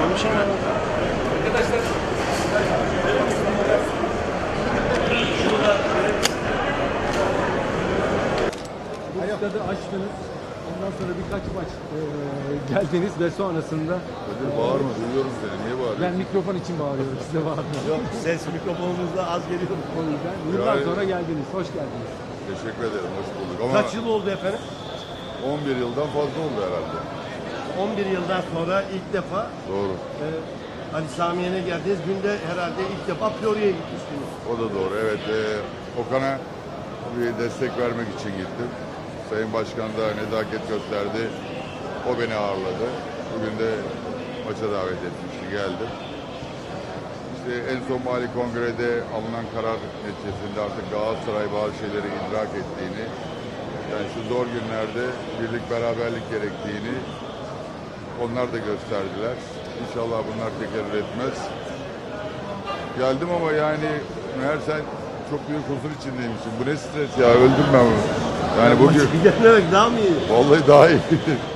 Konuşamam. Bu stadı açtınız. Ondan sonra birkaç maç geldiniz ve sonrasında Kadir bağırma, duyuyorum seni. Niye bağırıyorsun? ben mikrofon için bağırıyorum, size bağırmıyorum. Yok, ses mikrofonunuzda az geliyor. O yüzden yıllar Yani- sonra geldiniz, hoş geldiniz. Teşekkür ederim, hoş bulduk. Ama Kaç yıl oldu efendim? 11 yıldan fazla oldu herhalde. 11 yıldan sonra ilk defa Doğru. Ali Samiye'ne geldiniz. Günde herhalde ilk defa Florya'ya gitmiştiniz. O da doğru. Evet, Okan'a bir destek vermek için gittim. Sayın Başkan da nezaket gösterdi. O beni ağırladı. Bugün de maça davet etmişti, geldim. İşte en son Mali Kongre'de alınan karar neticesinde artık Galatasaray bazı şeyleri idrak ettiğini, yani şu zor günlerde birlik beraberlik gerektiğini onlar da gösterdiler. İnşallah bunlar tekerrür etmez. Geldim ama yani meğer sen çok büyük huzur içindeymişsin. Bu ne stres ya, öldüm ben. Yani bugün Bir denemek daha mı iyi? vallahi daha iyi.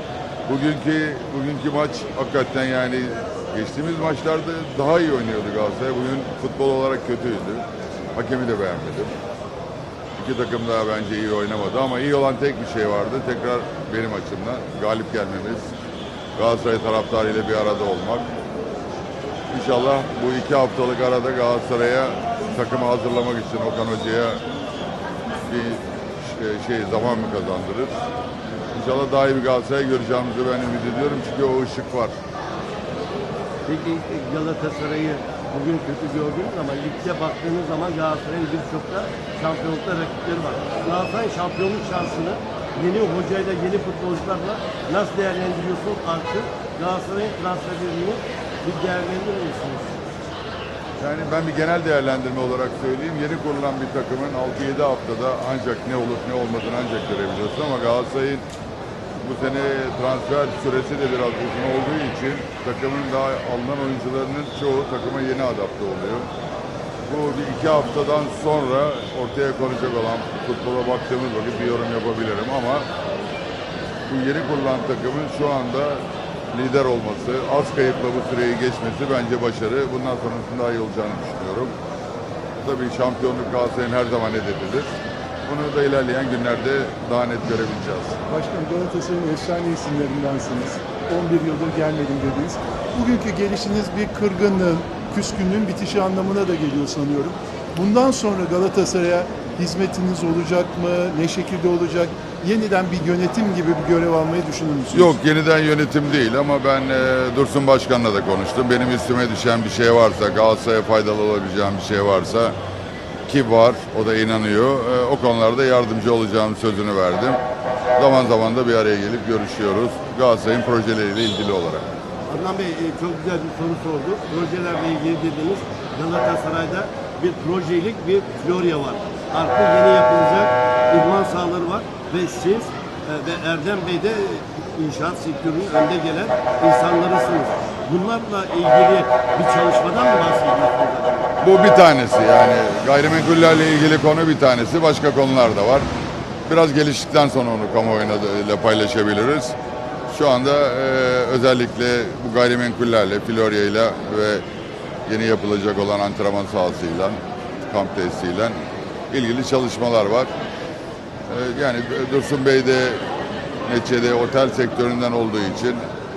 Bugünkü maç hakikaten yani geçtiğimiz maçlarda daha iyi oynuyordu Galatasaray. Bugün futbol olarak kötüydü. Hakemi de beğenmedim. İki takım daha bence iyi oynamadı ama iyi olan tek bir şey vardı. Tekrar benim açımdan galip gelmemiz. Galatasaray taraftarıyla bir arada olmak. İnşallah bu 2 haftalık arada Galatasaray'a takımı hazırlamak için Okan Hoca'ya bir zaman mı kazandırır? İnşallah daha iyi bir Galatasaray göreceğimizi ben ümit ediyorum çünkü o ışık var. Peki Galatasaray'ı bugün kötü gördünüz ama ligde baktığınız zaman Galatasaray'ın birçok da şampiyonlukta rakipleri var. Galatasaray'ın şampiyonluk şansını yeni hocayla, yeni futbolcularla nasıl değerlendiriyorsunuz? Artık Galatasaray'ın transferlerini bir değerlendirir misiniz? Yani ben bir genel değerlendirme olarak söyleyeyim. Yeni kurulan bir takımın 6-7 haftada ancak ne olup ne olmadığını ancak görebiliyorsun ama Galatasaray'ın bu sene transfer süresi de biraz uzun olduğu için takımın daha alınan oyuncularının çoğu takıma yeni adapte oluyor. Bu bir 2 haftadan sonra ortaya konacak olan futbola baktığımız vakit bir yorum yapabilirim ama bu yeni kurulan takımın şu anda lider olması, az kayıpla bu süreyi geçmesi bence başarı. Bundan sonrasında daha iyi olacağını düşünüyorum. Tabii şampiyonluk Galatasaray'ın her zaman hedefidir. Bunu da ilerleyen günlerde daha net görebileceğiz. Başkanım, Galatasaray'ın efsane isimlerindensiniz. 11 yıldır gelmedim dediniz. Bugünkü gelişiniz bir kırgınlığın, küskünlüğün bitişi anlamına da geliyor sanıyorum. Bundan sonra Galatasaray'a hizmetiniz olacak mı? Ne şekilde olacak? Yeniden bir yönetim gibi bir görev almayı düşünür müsünüz? Yok, yeniden yönetim değil ama ben Dursun Başkan'la da konuştum. Benim üstüme düşen bir şey varsa, Galatasaray'a faydalı olabileceğim bir şey varsa ki var, o da inanıyor. O konularda yardımcı olacağım sözünü verdim. Zaman zaman da bir araya gelip görüşüyoruz. Galatasaray'ın projeleriyle ilgili olarak. Adnan Bey çok güzel bir soru sordu. Projelerle ilgili dediğiniz Galatasaray'da bir projelik bir Florya var. Artık yeni yapılacak idman sahaları var ve siz ve Erdem Bey de inşaat sektörünün önde gelen insanlarısınız. Bunlarla ilgili bir çalışmadan mı bahsediyorsunuz? Bu bir tanesi, yani gayrimenkullerle ilgili konu bir tanesi. Başka konular da var. Biraz geliştikten sonra onu kamuoyuyla paylaşabiliriz. Şu anda özellikle bu gayrimenkullerle, Florya'yla ve yeni yapılacak olan antrenman sahasıyla, kamp tesisiyle ilgili çalışmalar var. Yani Dursun Bey de neticede otel sektöründen olduğu için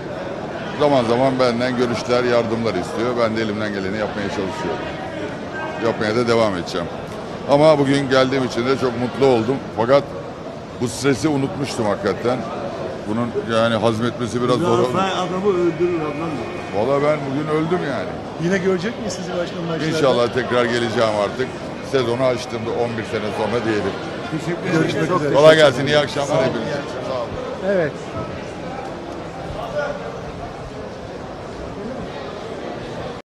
zaman zaman benden görüşler, yardımlar istiyor. Ben de elimden geleni yapmaya çalışıyorum. Yapmaya da devam edeceğim. Ama bugün geldiğim için de çok mutlu oldum. Fakat bu stresi unutmuştum hakikaten. Bunun yani hazmetmesi biraz zor oldu. Galatasaray adamı öldürür Adnan Bey. Valla ben bugün öldüm yani. Yine görecek miyiz sizi başkanım maçlarda? İnşallah tekrar geleceğim artık. Sezonu açtım da 11 sene sonra diyelim. Teşekkür ederim. Görüşmek üzere. Kolay gelsin, iyi akşamlar hepinize. Sağ olun. Evet,